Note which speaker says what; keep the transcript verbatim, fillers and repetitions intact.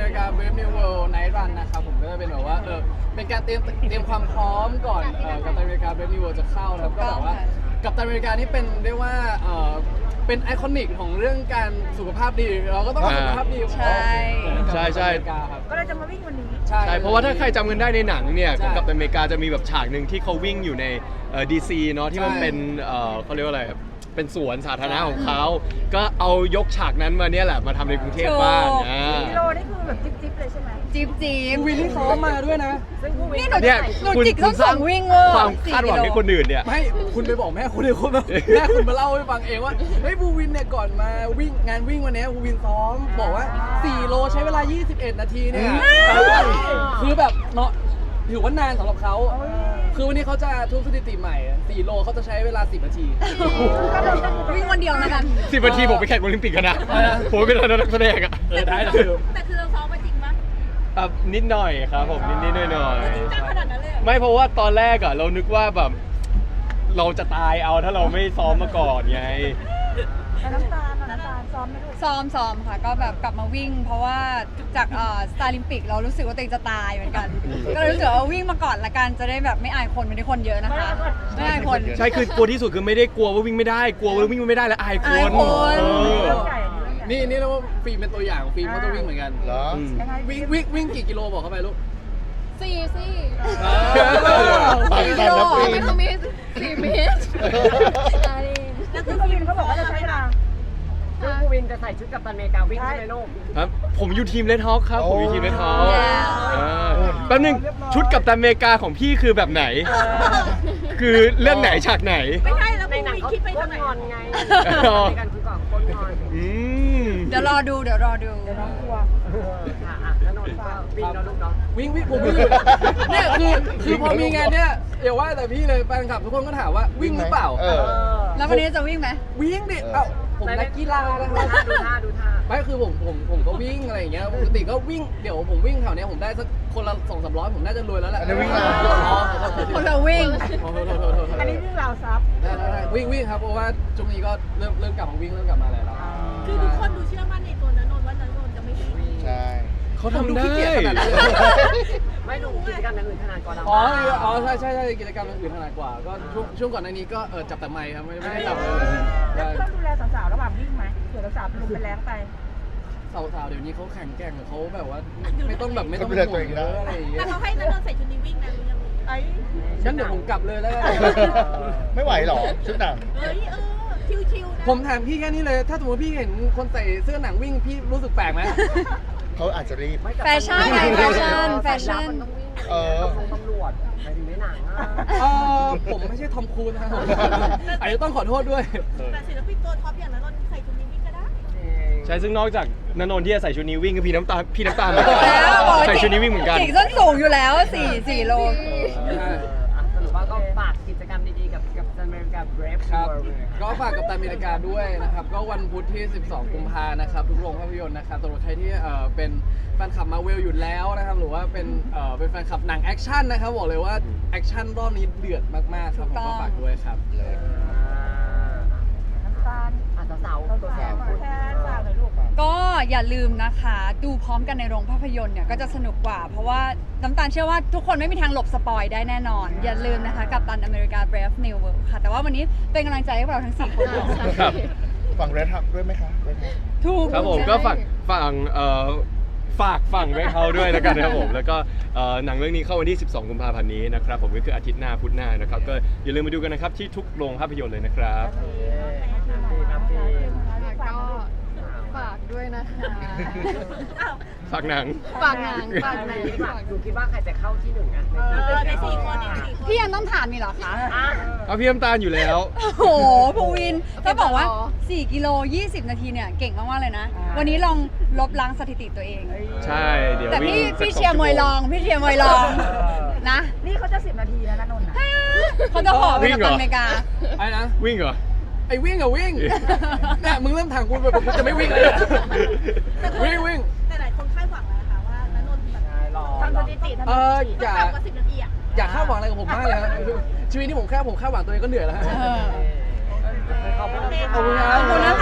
Speaker 1: ริกา Brave New World Night Run นะครับผมก็จะเป็นแบบว่าเออเป็นการเตรียมเตรียมความพร้อมก่อนเอ่อกัปตันอเมริกา Brave New World จะเข้านะครับก็แบบว่ากัปตันอเมริกานี่เป็นเรียกว่าเออเป็นไอคอนิกของเรื่องการสุขภาพดีเราก็ต้องสุขภาพดี
Speaker 2: ใช่
Speaker 3: ใช่ใช่
Speaker 4: ก็เลยจะมาวิ่งวันนี้
Speaker 1: ใช่
Speaker 3: ใช่เพราะว่าถ้าใครจำกันได้ในหนังเนี่ย
Speaker 1: ใช่
Speaker 3: ของกัปตันอเมริกาจะมีแบบฉากหนึ่งที่เขาวิ่งอยู่ในดีซีเนาะที่มัน
Speaker 1: ใช่
Speaker 3: เป็นเอ่อเขาเรียกว่าอะไรเป็นสวนสาธารณะของเขาก็เอายกฉากนั้นมาเนี่ยแหละมาทำในกรุงเทพบ้างอ่า
Speaker 4: กิโลนี่คือแบบจิ๊บๆเลยใช่ไหม
Speaker 2: จิ๊บจิ๊บ
Speaker 1: วินที่ซ้อมมาด้วยนะ
Speaker 4: ซึ่งผู้วิ่ง
Speaker 2: นี่หนู
Speaker 3: เนี่ย
Speaker 2: หนู
Speaker 3: คุณ
Speaker 2: จิก
Speaker 3: คุ
Speaker 2: ส้
Speaker 3: ณ
Speaker 2: น
Speaker 3: ส
Speaker 2: สู
Speaker 3: ร้าง
Speaker 2: งวิ่งเวอร์
Speaker 3: ความ
Speaker 2: สี่
Speaker 3: คาดหวัง
Speaker 2: กิโล
Speaker 3: ให้คนอื่นเนี่ย
Speaker 1: ไม่คุณไปบอกแม่คุณเลยคุณแม่คุณมาเล่าให้ฟังเองว่าเฮ้ยบูวินเนี่ยก่อนมาวิ่งงานวิ่งวันนี้บูวินซ้อมบอกว่าสี่โลใช้เวลายี่สิบเอ็ดนาทีเนี่ยคือแบบเนาะถือว่านานสำหรับเขาคือวันนี้เขาจะทุบสถิติใหม่สี่โลเขาจะใช้เวลาสิบนาที
Speaker 2: วิ่งวันเดียวแล้วกัน
Speaker 3: สิบนาทีผมไปแข่งโอลิมปิกกันนะผมเป็นนักแสดงอะ
Speaker 1: เออได้เลย
Speaker 5: แต่คือเราซ้อมมาจริงปะ
Speaker 3: อ่ะนิดหน่อยครับผมนิดนิดหน่อยหน่อย
Speaker 5: จริงจังขนาดนั้นเลยเหรอ
Speaker 3: ไม่เพราะว่าตอนแรกอะเรานึกว่าแบบเราจะตายเอาถ้าเราไม่ซ้อมมาก่อนไง
Speaker 4: แต่น้ำตาลน่ะน้ำตาลซ้อมไม่ถูก
Speaker 2: ซ้อมซ้อมค่ะก็แบบกลับมาวิ่ง เพราะว่าจากเอ่อสตาร์ลิมปิกเรารู้สึกว่าตัวเองจะตายเหมือนกัน ก็เลยรู้สึกว่าวิ่งมาก่อนละกันจะได้แบบไม่อายคนไม่ได้คนเยอะนะคะ ไม่อายคน
Speaker 3: ใช่คือกลัวที่สุดคือไม่ได้กลัวว่าวิ่งไม่ได้กลัวว่าวิ่งไม่ได้แล้วอายค
Speaker 2: อาย
Speaker 3: น
Speaker 2: คน
Speaker 3: เออ
Speaker 4: เรื่องใหญ่อันนี้เรื่องใหญ่
Speaker 1: นี่นี่เรียกว่าฟิล์มเป็นตัวอย่างฟิล์มเขาจะวิ่งเหมือนกัน
Speaker 6: เหรอ
Speaker 3: อืม
Speaker 4: ยังไง
Speaker 1: วิ่งวิ่งวิ่งกี่กิโลบอกเข้าไปลูก
Speaker 5: สี่สิ
Speaker 6: ปั่นกันนะปี
Speaker 5: ไม่
Speaker 6: น
Speaker 5: ต้องมีสี่เมตร
Speaker 4: แล้วคือผู้วินเขาบอกว่าจะใช้เวลา
Speaker 7: ซึ่งภูวินจะใส่ชุดกัปตันอเมริกาวิ่งใช่ไหมลูก
Speaker 3: ครับผมอยู่ทีมเลดฮอคครับผมอยู่ทีมเลดฮอค
Speaker 2: Yeah
Speaker 3: แป๊บนึงชุดกับตันอเมริกาของพี่คือแบบไหน คือเรื่องไหนฉากไหน
Speaker 5: ไม่ใช่แล้ว
Speaker 7: ใน
Speaker 5: ภู
Speaker 7: หนัง
Speaker 5: วิน
Speaker 7: เขา
Speaker 5: คิดไป
Speaker 7: โค
Speaker 5: ทาง
Speaker 7: ต
Speaker 5: ไห
Speaker 7: รง อนไง
Speaker 3: อ๋อ
Speaker 7: ในการคุยก่อนโคตรงอน
Speaker 3: อืม
Speaker 2: เดี๋ยวรอดูเดี๋ยวรอดู
Speaker 4: เดี๋ยวน้องกลัว
Speaker 7: ค่ะอ่ะแล้วนนท์ก็วิ่งแล้วลูกเนาะ
Speaker 1: วิ่งวิ่งผมวิ่งอยู่เนี่ยคือคือพอมีงานเนี่ยอย่าว่าแต่พี่เลยแฟนคลับทุกคนก็ถามว่าวิ่งหรือเปล่า
Speaker 6: เอ
Speaker 7: เอ
Speaker 6: อ
Speaker 7: อ
Speaker 2: แล้ววันนี้จะวิ่งไหม
Speaker 1: วิ่งดิเอ้าผมนักกีฬานะค
Speaker 7: ดู
Speaker 1: รับ
Speaker 7: ท่าดูท่าดูท่า
Speaker 1: ไม่คือผมผมผมก็วิ่งอะไรอย่างเงี้ยปกติก็วิ่งเดี๋ยวผมวิ่งแถวเนี้ยผมได้สักคนละสองสามร้อยผมน่าจะรวยแล้วแหละ
Speaker 6: อันนี้วิ่ง
Speaker 1: อ๋
Speaker 6: เหรอ
Speaker 1: อขอโทษที
Speaker 2: คนละวิ่ง
Speaker 1: ขอโทษโทษโทษโทษโทษ
Speaker 4: อันนี้วิ่งราวซับ
Speaker 1: ได้ได้ได้วิ่งวิ่งครับเพราะว่าช่วงนี้ก็เริ่มเริ่มกลับมาวิ่งเริ่มกลับมาอะไรแล้ว
Speaker 5: คือทุกคนดูเชื่อมั่นในตัวนันนนท์ว่านันนนท์จะไม่วิ่ง
Speaker 6: ใช่
Speaker 3: เขา
Speaker 1: ผม
Speaker 3: ทำ
Speaker 1: ดู
Speaker 3: ได้
Speaker 1: ขี้เกียจขนาดนั้นเลย
Speaker 7: ไม่ดูกิจกรรมอย่างอื่นขนาดก่อนเรา
Speaker 1: อ๋ออ๋อใช่ใช่ใช่กิจกรรมอื่นถนัดกว่าก็ช่วงช่วงก่อนหน้านี้ก็เออจับแต่ไมค์ครับไม่ไม่ได้จับเลย
Speaker 4: แล้วต้องดูแลสาวๆระหว่างวิ่งไหมเผื่อสาวๆเป็นลมเป็นแรงไป
Speaker 1: สาวๆเดี๋ยวนี้เขาแข็งแกร่งเขาแบบว่าไม่ต้องแบบไม่ต้อง
Speaker 6: เขาดูแลตัวเอง
Speaker 1: เย
Speaker 6: ได้
Speaker 1: อะอะไรอย่างเงี้
Speaker 5: แต่
Speaker 1: ย
Speaker 5: เขาให้นันนนท์ใส่ชุดนี้วิ่งนะรู้ยัง
Speaker 4: ไอ้
Speaker 1: งั้นเดี๋ยวผมกลับเลยแล้วกัน
Speaker 6: ไม่ไหวหรอชุดหนัง
Speaker 5: เฮ้ยเออชิวๆนะ
Speaker 1: ผมถามพี่แค่นี้เลย ถ้าสมมติพี่เห็นคนใส่เสื้อหนังวิ่งพี่รู้สึกแปลกไหม
Speaker 6: เขาอาจจะรีบ
Speaker 7: ไม่แต่
Speaker 2: แฟชั่นไงแฟชั่นแฟชั่น
Speaker 7: มันต้องวิ่ง
Speaker 6: เออ
Speaker 7: ตำรวจไปถึงในหนังอ่ะ
Speaker 1: เออผมไม่ใช่ทอมครูซนะครับผมอาจจะต้องขอโทษด้วย
Speaker 5: แต่ศิลปินตัวท็อปอย่างนันนนท์ใส่ชุดนี้วิ่งก็ได้
Speaker 3: ใช่ซึ่งนอกจากนนนท์ที่จะใส่ชุดนี้วิ่งก็พี่น้ำตาลพี่น้ำตาลเหมือน
Speaker 2: บอก
Speaker 3: กัน
Speaker 2: แล้วบอก
Speaker 3: ใส่ชุดนี้วิ่งเหมือนกัน
Speaker 2: จิกส้นสูงอยู่แล้วสี่สี่โล
Speaker 7: เอออ่ะสรุปว่าก็ฝากกิจกรรมดีๆกับกับอเมริกา Brave
Speaker 1: ครับ
Speaker 7: World
Speaker 1: ก็ฝากกับตันอเมริกาด้วยนะครับ ก็วันพุธที่ สิบสอง กุมภานะครับ ทุกโรงภาพยนตร์นะครับสำหรับใครที่เอ่อเป็นแฟนคลับมาเวลอยู่แล้วนะครับ หรือว่าเป็นเอ่อเป็นแฟนคลับหนังแอคชั่นนะครับ บอกเลยว่าแอคชั่นรอบนี้เดือดมากๆครับผมก็ฝากด้วยครับ
Speaker 4: น้ำตาล
Speaker 7: อาจจะสาวตัวแทนพูด
Speaker 4: แทนฝากหน่อยลูก
Speaker 2: ก็อย่าลืมนะคะ ดูพร้อมกันในโรงภาพยนตร์เนี่ยก็จะสนุกกว่า เพราะว่าน้ำตาลเชื่อว่าทุกคนไม่มีทางหลบสปอยได้แน่นอน อย่าลืมนะคะกับตันอเมริกา Brave New World ค่ะ แต่ว่าวันนี้เป็นกำลังใจให้พวกเราทั้งสี่คน
Speaker 3: ครับ
Speaker 6: ฝั่งเรดฮับด้วยไหมคะ Red Hub
Speaker 2: ถูก
Speaker 3: ครับผมก็ฝากฝั่งเอ่อฝากฝั่งไว้เขาด้วยแล้วกันนะครับผมแล้วก็เอ่อหนังเรื่องนี้เข้าวันที่ สิบสอง กุมภาพันธ์นี้นะครับผมก็คืออาทิตย์หน้าพุธหน้านะครับก็อย่าลืมมาดูกันนะครับที่ทุกโรงภาพยนตร์เลยนะครับ
Speaker 7: ครับพี่
Speaker 5: ก็ฝากด้วยนะคะ
Speaker 3: ฝากหนัง
Speaker 5: ฝากหนังฝากหนัง
Speaker 7: ฝากดูคิดว่าใครจะเข้าที่หนึ่งอ่ะ
Speaker 5: เออในสี่คนเนี่ยสี่คน
Speaker 2: พี่ยังต้องถามนี่เหรอคะ
Speaker 7: อ่ะ
Speaker 3: เอาพี่น้ำตาลอยู่แล้ว
Speaker 2: โอ้โหภูวินถ้าบอกว่าสี่กิโลยี่สิบนาทีเนี่ยเก่งมากๆเลยนะ วันนี้ลองลบล้างสถิติตัวเอง
Speaker 3: ใช่เดี๋ยว
Speaker 2: แต่พี่
Speaker 3: วิ่งสัก
Speaker 2: พี่
Speaker 3: สอง
Speaker 2: เชียร์มวย
Speaker 3: ชั่
Speaker 2: ร
Speaker 3: โ
Speaker 2: องพี่เชียร์มวยรองนะ
Speaker 4: นี่เขาจะสิบนาทีแล้วนะนนท์นะ
Speaker 2: เขาจะขอไปกับตันอเมริกา
Speaker 1: ไอ้นะ
Speaker 3: วิ่งเหรอ
Speaker 1: ไอ้วิ่งอะวิ่งเนี่ยมึงเริ่มถามกูแบบกูจะไม่วิ่งเลยวิ่งวิ่ง
Speaker 5: แต่หลายคนคาดหวังแล้วนะคะว่านันนนท์แบบ
Speaker 7: รอ
Speaker 4: ทำสถิติทำ
Speaker 1: เอ
Speaker 4: ส
Speaker 1: อ
Speaker 4: ถิติ
Speaker 1: อย่า
Speaker 5: ต่ำกว่าสิบนาทีอ่ะ
Speaker 1: อย่าคาดหวังอะไรกับผมมากเลยครับชีวิตนี้ผมแค่ผมคาดหวังตัวเองก็เหนื่อยแล้วฮะ
Speaker 2: เออ
Speaker 7: ขอบคุณ
Speaker 5: โอเค
Speaker 1: ขอบคุณครับ
Speaker 2: ขอบคุณนะ